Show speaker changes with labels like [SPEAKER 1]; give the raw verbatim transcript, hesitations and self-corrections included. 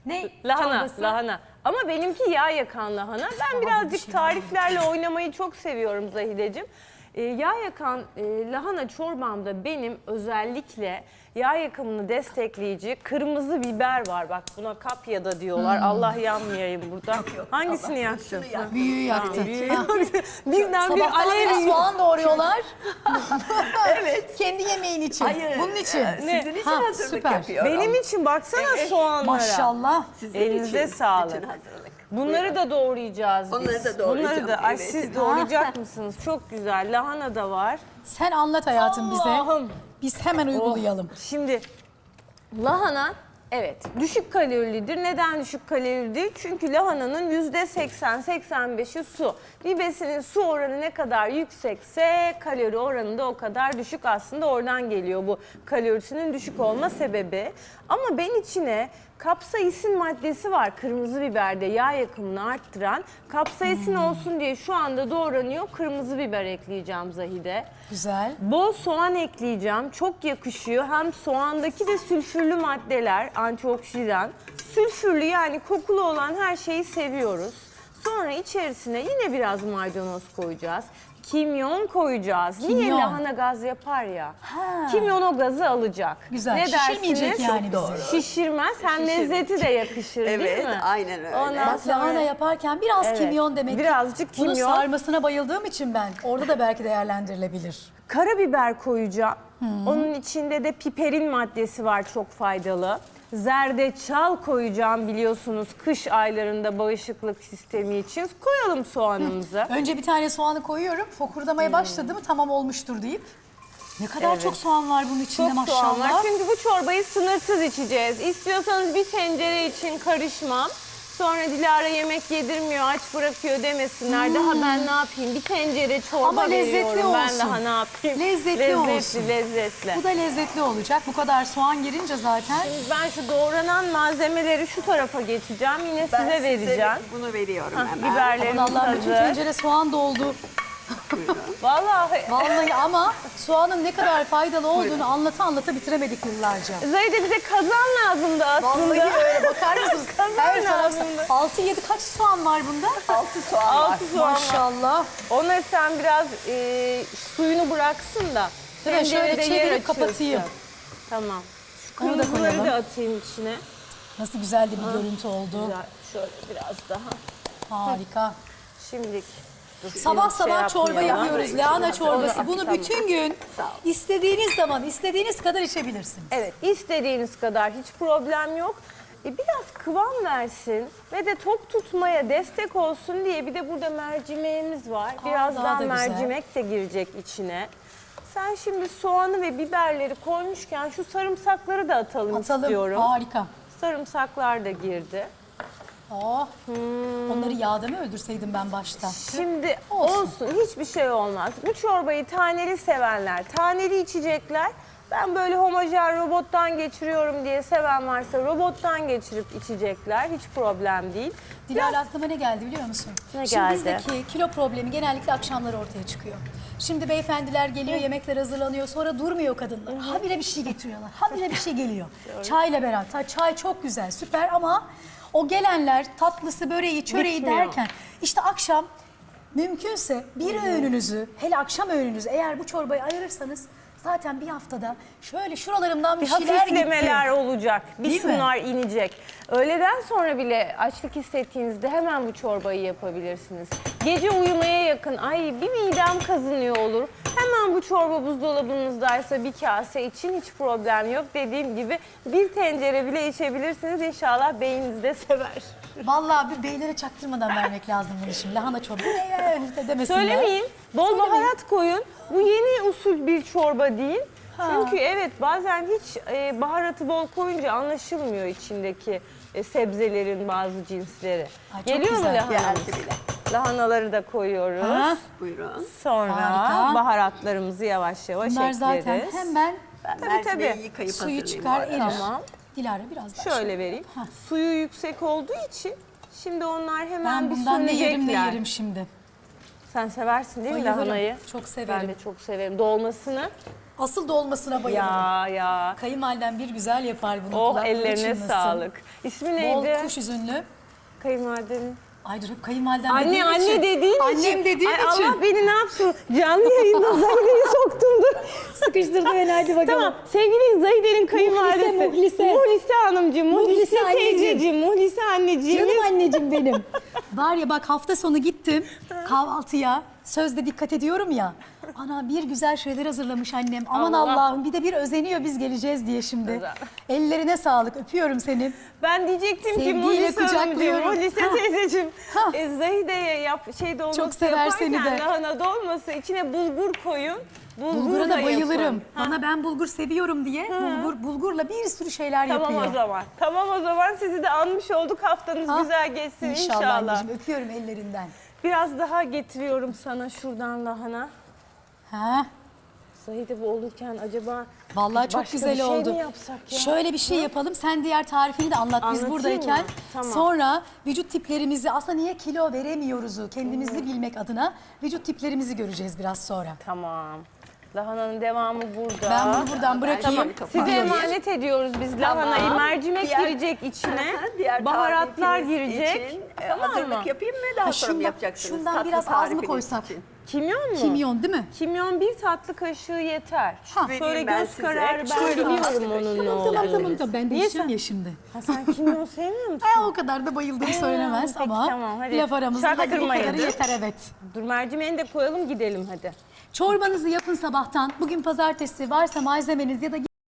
[SPEAKER 1] Ne?
[SPEAKER 2] Lahana,
[SPEAKER 1] çorbası?
[SPEAKER 2] lahana. Ama benimki yağ yakan lahana. Ben
[SPEAKER 1] Daha
[SPEAKER 2] birazcık
[SPEAKER 1] bir şey
[SPEAKER 2] tariflerle oynamayı çok seviyorum Zahideciğim. Ee, yağ yakan e, lahana çorbamda benim özellikle yağ yakımını destekleyici kırmızı biber var. Bak buna kapya da diyorlar.
[SPEAKER 1] Hmm.
[SPEAKER 2] Allah yanmayayım burada. Hangisini yaktın?
[SPEAKER 1] Büyüğü yaktı.
[SPEAKER 2] Birden bir
[SPEAKER 1] Sabahtan beri
[SPEAKER 2] alev.
[SPEAKER 1] soğan doğruyorlar.
[SPEAKER 3] Evet.
[SPEAKER 1] Kendi yemeğin için.
[SPEAKER 3] Hayır,
[SPEAKER 1] Bunun için.
[SPEAKER 3] e, Sizin için
[SPEAKER 1] Ha,
[SPEAKER 3] hazırlık
[SPEAKER 1] süper.
[SPEAKER 3] yapıyorum.
[SPEAKER 2] Benim için baksana soğanlara.
[SPEAKER 1] Maşallah.
[SPEAKER 3] Sizin
[SPEAKER 2] Elinize
[SPEAKER 3] için
[SPEAKER 2] sağlık.
[SPEAKER 3] bütün hazırlık.
[SPEAKER 2] Bunları da doğrayacağız biz.
[SPEAKER 3] Onları da doğrayacağım,
[SPEAKER 2] Bunları da, ay
[SPEAKER 3] evet.
[SPEAKER 2] siz doğrayacak mısınız? Çok güzel. Lahana da var.
[SPEAKER 1] Sen anlat hayatım bize.
[SPEAKER 2] Allah'ım.
[SPEAKER 1] Biz hemen uygulayalım.
[SPEAKER 2] Şimdi lahana evet düşük kalorilidir. Neden düşük kalorilidir? Çünkü lahananın yüzde seksen seksen beşi su. Bir besinin su oranı ne kadar yüksekse kalori oranı da o kadar düşük, aslında oradan geliyor bu kalorisinin düşük olma sebebi. Ama ben içine kapsaisin maddesi var kırmızı biberde, yağ yakımını arttıran. Kapsaisin
[SPEAKER 1] Hmm.
[SPEAKER 2] olsun diye şu anda doğranıyor kırmızı biber ekleyeceğim Zahide.
[SPEAKER 1] Güzel.
[SPEAKER 2] Bol soğan ekleyeceğim. Çok yakışıyor. Hem soğandaki de sülfürlü maddeler, antioksidan. Sülfürlü yani kokulu olan her şeyi seviyoruz. Sonra içerisine yine biraz maydanoz koyacağız. Kimyon koyacağız. Niye?
[SPEAKER 1] Kimyon.
[SPEAKER 2] Lahana gaz yapar ya.
[SPEAKER 1] Ha.
[SPEAKER 2] Kimyon o gazı alacak.
[SPEAKER 1] Güzel.
[SPEAKER 2] Ne
[SPEAKER 1] Şişirmeyecek
[SPEAKER 2] dersiniz?
[SPEAKER 1] yani
[SPEAKER 2] Çok
[SPEAKER 1] bizi.
[SPEAKER 2] doğru. Şişirmez. Hem lezzeti de yakışır değil
[SPEAKER 3] Evet,
[SPEAKER 2] mi?
[SPEAKER 3] aynen öyle.
[SPEAKER 2] Ondan
[SPEAKER 1] Bak
[SPEAKER 2] sonra-
[SPEAKER 1] lahana yaparken biraz
[SPEAKER 2] Evet,
[SPEAKER 1] kimyon demek ki.
[SPEAKER 2] birazcık
[SPEAKER 1] Bunu
[SPEAKER 2] kimyon.
[SPEAKER 1] sarmasına bayıldığım için ben. Orada da belki değerlendirilebilir.
[SPEAKER 2] Karabiber koyacağım. Onun içinde de piperin maddesi var, çok faydalı. Zerdeçal koyacağım, biliyorsunuz kış aylarında bağışıklık sistemi için. Koyalım soğanımızı.
[SPEAKER 1] Önce bir tane soğanı koyuyorum. Fokurdamaya başladı mı tamam olmuştur deyip. Ne kadar
[SPEAKER 2] Evet.
[SPEAKER 1] çok soğan var bunun içinde
[SPEAKER 2] Çok
[SPEAKER 1] maşallah.
[SPEAKER 2] soğan var çünkü bu çorbayı sınırsız içeceğiz. İstiyorsanız bir tencere için karışmam. Sonra Dilara yemek yedirmiyor, aç bırakıyor demesinler. Daha ben ne yapayım? Bir tencere çorba
[SPEAKER 1] Ama lezzetli
[SPEAKER 2] veriyorum. Ben
[SPEAKER 1] olsun.
[SPEAKER 2] daha ne yapayım?
[SPEAKER 1] Lezzetli
[SPEAKER 2] lezzetli,
[SPEAKER 1] olsun.
[SPEAKER 2] Lezzetli,
[SPEAKER 1] Bu da lezzetli olacak. Bu kadar soğan girince zaten.
[SPEAKER 2] Ben şu doğranan malzemeleri şu tarafa geçeceğim. Yine
[SPEAKER 3] Ben
[SPEAKER 2] size vereceğim.
[SPEAKER 3] bunu veriyorum
[SPEAKER 2] Hah,
[SPEAKER 3] hemen.
[SPEAKER 2] biberlerimiz
[SPEAKER 1] Allah bütün
[SPEAKER 2] hazır.
[SPEAKER 1] tencere soğan doldu.
[SPEAKER 2] Vallahi
[SPEAKER 1] Vallahi ama soğanın ne kadar faydalı olduğunu anlata anlata bitiremedik yıllarca.
[SPEAKER 2] Zahide bize kazan lazımdı aslında.
[SPEAKER 1] Vallahi öyle bakar mısınız?
[SPEAKER 2] Kazan
[SPEAKER 1] Her taraf
[SPEAKER 2] lazımdı.
[SPEAKER 1] altı yedi kaç soğan var bunda?
[SPEAKER 3] Altı soğan var.
[SPEAKER 2] Altı soğan var.
[SPEAKER 1] Maşallah.
[SPEAKER 2] Ona sen biraz e, suyunu bıraksın da.
[SPEAKER 1] Değil mi? Şöyle
[SPEAKER 2] tencerede yer
[SPEAKER 1] çevirip
[SPEAKER 2] açıyorsun.
[SPEAKER 1] kapatayım.
[SPEAKER 2] Tamam. Şu
[SPEAKER 1] Onu da
[SPEAKER 2] kırmızıları
[SPEAKER 1] koyalım.
[SPEAKER 2] da atayım içine.
[SPEAKER 1] Nasıl güzel de bir görüntü oldu.
[SPEAKER 2] Güzel. Şöyle biraz daha.
[SPEAKER 1] Harika.
[SPEAKER 2] Şimdilik.
[SPEAKER 1] Sabah
[SPEAKER 2] şey
[SPEAKER 1] sabah çorba
[SPEAKER 2] yapmayalım.
[SPEAKER 1] yapıyoruz. Lahana çorbası. Bunu
[SPEAKER 2] Tamam.
[SPEAKER 1] bütün gün
[SPEAKER 3] Sağ ol.
[SPEAKER 1] istediğiniz zaman, istediğiniz kadar içebilirsiniz.
[SPEAKER 2] Evet, istediğiniz kadar hiç problem yok. E, biraz kıvam versin ve de tok tutmaya destek olsun diye bir de burada mercimeğimiz var.
[SPEAKER 1] Aa,
[SPEAKER 2] Birazdan
[SPEAKER 1] daha da güzel.
[SPEAKER 2] mercimek de girecek içine. Sen şimdi soğanı ve biberleri koymuşken şu sarımsakları da atalım,
[SPEAKER 1] Atalım.
[SPEAKER 2] istiyorum.
[SPEAKER 1] Harika.
[SPEAKER 2] Sarımsaklar da girdi.
[SPEAKER 1] Oh.
[SPEAKER 2] Hmm.
[SPEAKER 1] Onları yağda mı öldürseydim ben başta?
[SPEAKER 2] Şimdi
[SPEAKER 1] Olsun.
[SPEAKER 2] olsun. hiçbir şey olmaz. Bu çorbayı taneli sevenler, taneli içecekler. Ben böyle homojen robottan geçiriyorum diye seven varsa robottan geçirip içecekler. Hiç problem değil.
[SPEAKER 1] Dilara aklıma ne geldi biliyor musun?
[SPEAKER 2] Ne
[SPEAKER 1] Şimdi
[SPEAKER 2] geldi?
[SPEAKER 1] bizdeki kilo problemi genellikle akşamları ortaya çıkıyor. Şimdi beyefendiler geliyor, yemekler hazırlanıyor, sonra durmuyor kadınlar. Habire bir şey getiriyorlar, habire bir şey geliyor. Çayla beraber, Ta- çay çok güzel, süper ama o gelenler tatlısı, böreği, çöreği
[SPEAKER 2] Bitmiyor.
[SPEAKER 1] derken işte akşam mümkünse bir öğününüzü, hele akşam öğününüzü eğer bu çorbayı ayırırsanız zaten bir haftada şöyle şuralarımdan bir,
[SPEAKER 2] Bir
[SPEAKER 1] şeyler
[SPEAKER 2] hafiflemeler
[SPEAKER 1] gitti.
[SPEAKER 2] olacak. Bir
[SPEAKER 1] Değil mi?
[SPEAKER 2] şunlar inecek. Öğleden sonra bile açlık hissettiğinizde hemen bu çorbayı yapabilirsiniz. Gece uyumaya yakın, ay bir midem kazınıyor olur. Hemen bu çorba buzdolabınızdaysa bir kase için hiç problem yok. Dediğim gibi bir tencere bile içebilirsiniz. İnşallah beyniniz de sever.
[SPEAKER 1] Vallahi bir beylere çaktırmadan vermek lazım bunu şimdi. Lahana çorba ne öyle demesinler.
[SPEAKER 2] Söylemeyin. Bol
[SPEAKER 1] Söylemeyin.
[SPEAKER 2] baharat koyun. Bu yeni usul bir çorba değil.
[SPEAKER 1] Ha.
[SPEAKER 2] Çünkü evet bazen hiç e, baharatı bol koyunca anlaşılmıyor içindeki e, sebzelerin bazı cinsleri.
[SPEAKER 1] Ay, çok
[SPEAKER 2] Geliyor mu
[SPEAKER 1] güzel.
[SPEAKER 2] lahanamız?
[SPEAKER 3] Geldi bile.
[SPEAKER 2] Lahanaları da koyuyoruz.
[SPEAKER 1] Ha?
[SPEAKER 3] Buyurun.
[SPEAKER 2] Sonra
[SPEAKER 1] Harika.
[SPEAKER 2] baharatlarımızı yavaş yavaş
[SPEAKER 1] Bunlar
[SPEAKER 2] ekleriz.
[SPEAKER 1] zaten hemen
[SPEAKER 3] Ben
[SPEAKER 2] Tabii,
[SPEAKER 3] mercimeği
[SPEAKER 2] tabii.
[SPEAKER 3] yıkayıp
[SPEAKER 1] suyu
[SPEAKER 3] hazırlayayım
[SPEAKER 1] çıkar
[SPEAKER 3] bu arada.
[SPEAKER 1] erir.
[SPEAKER 2] Tamam.
[SPEAKER 1] Dilara biraz daha.
[SPEAKER 2] Şöyle vereyim.
[SPEAKER 1] Hah.
[SPEAKER 2] Suyu yüksek olduğu için şimdi onlar hemen
[SPEAKER 1] Ben
[SPEAKER 2] bir
[SPEAKER 1] bundan ne yerim ne
[SPEAKER 2] sönecekler.
[SPEAKER 1] yerim şimdi.
[SPEAKER 2] Sen seversin değil mi
[SPEAKER 1] Bayılırım.
[SPEAKER 2] lahanayı?
[SPEAKER 1] Çok severim.
[SPEAKER 2] Ben de çok severim. Dolmasını.
[SPEAKER 1] Asıl dolmasına bayılırım.
[SPEAKER 2] Ya ya.
[SPEAKER 1] Kayınvalidem bir güzel yapar bunu.
[SPEAKER 2] Oh
[SPEAKER 1] kulakları
[SPEAKER 2] ellerine
[SPEAKER 1] çınlasın.
[SPEAKER 2] sağlık. İsmi
[SPEAKER 1] Bol
[SPEAKER 2] neydi?
[SPEAKER 1] kuş üzümlü.
[SPEAKER 2] Kayınvalidenin.
[SPEAKER 1] Ay dur hep kayınvalidem
[SPEAKER 2] Anne
[SPEAKER 1] dediğim
[SPEAKER 2] anne
[SPEAKER 1] için.
[SPEAKER 2] dediğin için.
[SPEAKER 1] Annem dediğim
[SPEAKER 2] Ay,
[SPEAKER 1] için.
[SPEAKER 2] Allah beni ne yapsın? Canlı yayında Zahide'yi soktumdur.
[SPEAKER 1] Sıkıştırdı beni, hadi bakalım.
[SPEAKER 2] Tamam sevgili Zahide'nin kayınvalidesi.
[SPEAKER 1] Muhlise.
[SPEAKER 2] Muhlise hanımcığım, Muhlise,
[SPEAKER 1] Muhlise anneciğim.
[SPEAKER 2] teyzeciğim, Muhlise anneciğim.
[SPEAKER 1] Canım anneciğim benim. Var ya bak, hafta sonu gittim kahvaltıya. Sözde dikkat ediyorum ya. Ana bir güzel şeyler hazırlamış annem. Aman
[SPEAKER 2] Allah.
[SPEAKER 1] Allah'ım, bir de bir özeniyor biz geleceğiz diye şimdi.
[SPEAKER 2] Güzel.
[SPEAKER 1] Ellerine sağlık, öpüyorum seni.
[SPEAKER 2] Ben diyecektim ki
[SPEAKER 1] Sevgiyle
[SPEAKER 2] Muhlise hanımcığım,
[SPEAKER 1] kucaklıyorum.
[SPEAKER 2] Muhlise
[SPEAKER 1] Ha.
[SPEAKER 2] teyzeciğim.
[SPEAKER 1] Ha.
[SPEAKER 2] E, Zahide'ye yap, şey dolması
[SPEAKER 1] Çok sever seni
[SPEAKER 2] yaparken
[SPEAKER 1] de.
[SPEAKER 2] lahana dolması içine bulgur koyun. Bulgur
[SPEAKER 1] Bulgura da bayılırım.
[SPEAKER 2] yapın. Ha.
[SPEAKER 1] Bana ben bulgur seviyorum diye bulgur bulgurla bir sürü şeyler
[SPEAKER 2] Tamam
[SPEAKER 1] yapıyor.
[SPEAKER 2] o zaman. Tamam o zaman sizi de anmış olduk. Haftanız
[SPEAKER 1] Ha.
[SPEAKER 2] güzel geçsin
[SPEAKER 1] İnşallah,
[SPEAKER 2] inşallah.
[SPEAKER 1] anneciğim, öpüyorum ellerinden.
[SPEAKER 2] Biraz daha getiriyorum sana şuradan lahana.
[SPEAKER 1] Ha.
[SPEAKER 2] Zahide bu olurken acaba
[SPEAKER 1] Vallahi çok
[SPEAKER 2] başka
[SPEAKER 1] güzel
[SPEAKER 2] bir şey
[SPEAKER 1] oldu.
[SPEAKER 2] mi yapsak ya?
[SPEAKER 1] Şöyle bir şey yapalım. Sen diğer tarifini de anlat biz
[SPEAKER 2] Anlatayım
[SPEAKER 1] buradayken.
[SPEAKER 2] mı? Tamam.
[SPEAKER 1] Sonra vücut tiplerimizi, aslında niye kilo veremiyoruzu kendimizi
[SPEAKER 2] Hmm.
[SPEAKER 1] bilmek adına vücut tiplerimizi göreceğiz biraz sonra.
[SPEAKER 2] Tamam. Lahananın devamı burada.
[SPEAKER 1] Ben bunu buradan bırakayım.
[SPEAKER 3] Tamam,
[SPEAKER 2] Size
[SPEAKER 3] Gidiyoruz.
[SPEAKER 2] emanet ediyoruz biz
[SPEAKER 3] Tamam.
[SPEAKER 2] lahanayı. Mercimek
[SPEAKER 3] Diğer-
[SPEAKER 2] girecek içine.
[SPEAKER 3] Diğer
[SPEAKER 2] Baharatlar
[SPEAKER 3] tarifiniz
[SPEAKER 2] girecek.
[SPEAKER 3] için, e,
[SPEAKER 2] Tamam
[SPEAKER 3] hazırlık
[SPEAKER 2] mı?
[SPEAKER 3] yapayım mı? Daha
[SPEAKER 1] Ha,
[SPEAKER 3] sonra mı
[SPEAKER 1] şundan-
[SPEAKER 3] yapacaksınız?
[SPEAKER 1] şundan
[SPEAKER 3] Tatlı
[SPEAKER 1] biraz az mı
[SPEAKER 3] tarifiniz
[SPEAKER 1] koysak?
[SPEAKER 3] için.
[SPEAKER 2] Kimyon mu?
[SPEAKER 1] Kimyon değil mi?
[SPEAKER 2] Kimyon bir tatlı kaşığı yeter.
[SPEAKER 1] Ha.
[SPEAKER 2] Şöyle
[SPEAKER 3] Vereyim ben
[SPEAKER 2] göz
[SPEAKER 3] size.
[SPEAKER 2] kararı ben
[SPEAKER 3] Şöyle
[SPEAKER 2] biliyorum
[SPEAKER 3] az.
[SPEAKER 2] onun ne
[SPEAKER 1] Tamam tamam
[SPEAKER 2] olduğunu.
[SPEAKER 1] tamam tamam, ben de
[SPEAKER 2] Niye
[SPEAKER 1] içeceğim
[SPEAKER 2] sen-
[SPEAKER 1] ya şimdi.
[SPEAKER 2] Ha, sen kimyon sevmiyor musun?
[SPEAKER 1] Ha, o kadar da bayıldığım söylenemez
[SPEAKER 2] peki,
[SPEAKER 1] ama
[SPEAKER 2] tamam, hadi.
[SPEAKER 1] laf aramızda hadi bu
[SPEAKER 2] Çaktırmayın.
[SPEAKER 1] kadarı yeter, evet.
[SPEAKER 2] Dur mercimeğini de koyalım gidelim hadi.
[SPEAKER 1] Çorbanızı yapın sabahtan. Bugün pazartesi, varsa malzemeniz ya da